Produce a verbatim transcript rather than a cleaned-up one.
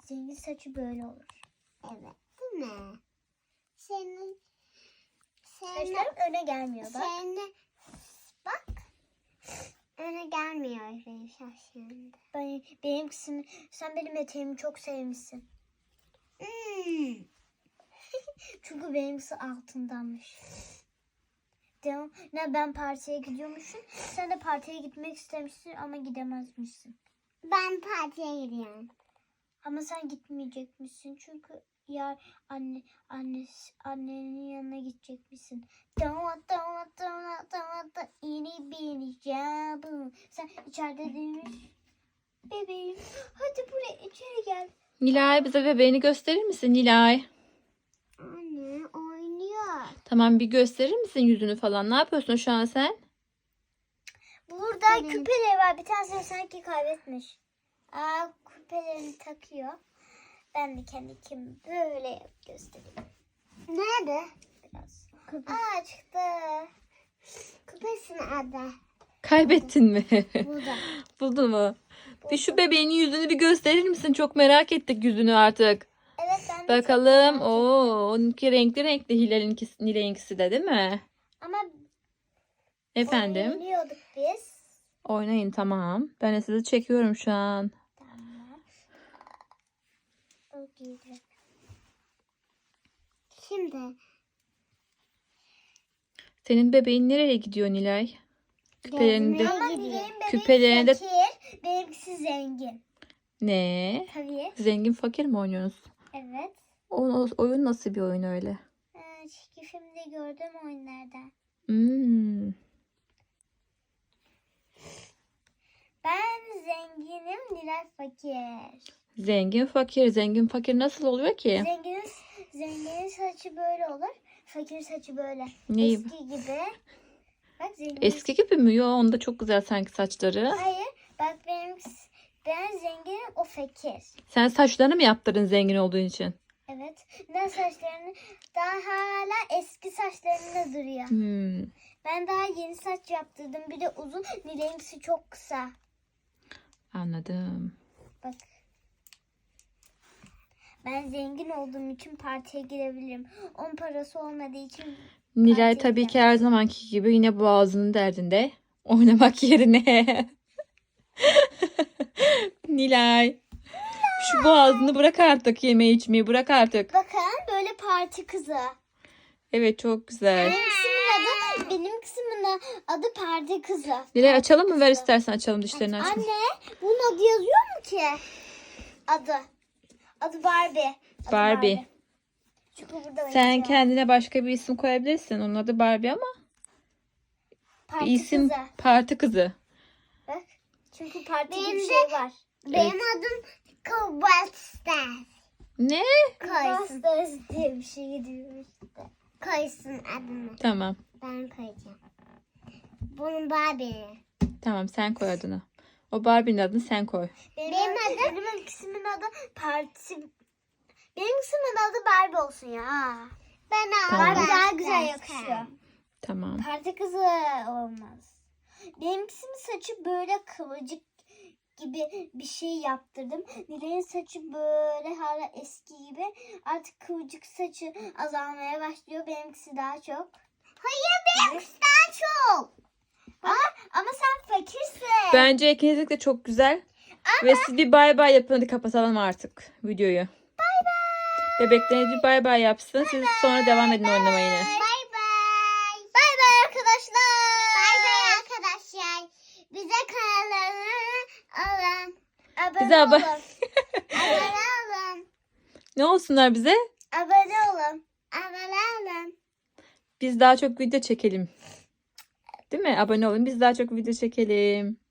Zengin saçı böyle olur. Evet, değil mi? Senin senin Saçlarım öne gelmiyor bak. senin bak. Öne gelmiyor benim saçlarım. Ben, benimkisini, sen benim eteğimi çok sevmişsin. Hmm. Çünkü benimkisi altındanmış. Devam. Ne ben partiye gidiyormuşum. Sen de partiye gitmek istemişsin ama gidemezmişsin. Ben partiye gidiyorum. Ama sen gitmeyecekmişsin çünkü ya anne anne annenin yanına gidecekmişsin. Tamam tamam tamam tamam da ini bini cabı. Sen içeride demiş. Bebeğim hadi buraya içeri gel. Nilay bize bebeğini gösterir misin Nilay? Anne oynuyor. Tamam bir gösterir misin yüzünü falan? Ne yapıyorsun şu an sen? Burada Benim. küpeleri var. Bir tanesi sanki kaybetmiş. Aa, küpelerini takıyor. Ben de kendi kim böyle göstereyim. Nerede? Biraz. Aa çıktı. Küpesinin adı. Kaybettin mi? Burada. Buldun mu? Bir şu bebeğinin yüzünü bir gösterir misin? Çok merak ettik yüzünü artık. Evet ben de Bakalım. çok merak ettim. Oo, onunki renkli renkli Hilal'inkisi, Nilay'inkisi de değil mi? Ama Efendim? oynuyorduk biz. Oynayın tamam. Ben de sizi çekiyorum şu an. Tamam. O giydi. Şimdi Senin bebeğin nereye gidiyor Nilay? Küpelerini de... gezmeye Ama gidiyor. benim bebek Küpelerini de- fakir. Benimkisi zengin. Ne? Tabii. Zengin fakir mi oynuyorsunuz? Evet. O, o- oyun nasıl bir oyun öyle? Ee, çizgi filmde gördüğüm oyunlardan. Hmm. Ben zenginim, Nilay fakir. Zengin fakir. Zengin fakir nasıl oluyor ki? Zenginin, zenginin saçı böyle olur. Fakir saçı böyle. Neyi? Eski gibi. Bak zengin. Eski gibi mi? Yo, onda çok güzel sanki saçları. Hayır. Bak benim ben zenginim, o fakir. Sen saçlarını mı yaptırdın zengin olduğun için? Evet. Ne saçlarını daha hala eski saçlarında duruyor. Hmm. Ben daha yeni saç yaptırdım. Bir de uzun. Nilay'ınkisi çok kısa. Anladım. Bak. Ben zengin olduğum için partiye girebilirim. On parası olmadığı için Nilay Partiye tabii ki her zamanki gibi yine boğazının derdinde. Oynamak yerine. Nilay. Şu boğazını bırak artık, yemeği içmeyi bırak artık. bakın böyle parti kızı. Evet çok güzel. Benim kısmın adı, benim kısmın adı parti kızı. Nilay açalım mı? Ver istersen açalım dişlerini açma. Anne, bunun adı yazıyor mu ki? Adı. Adı Barbie. Adı Barbie. Çünkü burada Sen yazıyor. kendine başka bir isim koyabilirsin. Onun adı Barbie ama Parti bir isim kızı. parti kızı. Bak. Çünkü parti Benim gibi bir de- şey var. Benim adım Kıbrıs'ta. Ne? Koysun. Masters diye bir şey gidiyor işte. Koysun adını. Tamam. Ben koyacağım. Bunun Barbie. Tamam sen koy adını. O Barbie'nin adını sen koy. Benim, Benim adım, benim kısmın adı parti. Benim kısmın adı Barbie olsun ya. Ben Tamam. Barbie daha aldım. güzel yakışıyor. Tamam. Parti kızı olmaz. Benimkisinin saçı böyle kıvırcık gibi bir şey yaptırdım. Nilay'ın saçı böyle hala eski gibi. Artık kıvırcık saçı azalmaya başlıyor. Benimkisi daha çok. Hayır benimkisi daha çok. Ama, ama sen fakirsin. Bence ikiniz de çok güzel. Ve siz bir bay bay yapın. Hadi kapatalım artık videoyu. Bay bay. Bebekleriniz bir bay bay yapsın. Siz sonra devam edin oynamaya yine. Bay bay. Bay bay arkadaşlar. Bay bay arkadaşlar. Bize kanallarını alın. Abone Bize abo- olun. Abone olun. Ne olsunlar bize? Abone olun. Abone olun. Biz daha çok video çekelim. Değil mi? Abone olun. Biz daha çok video çekelim.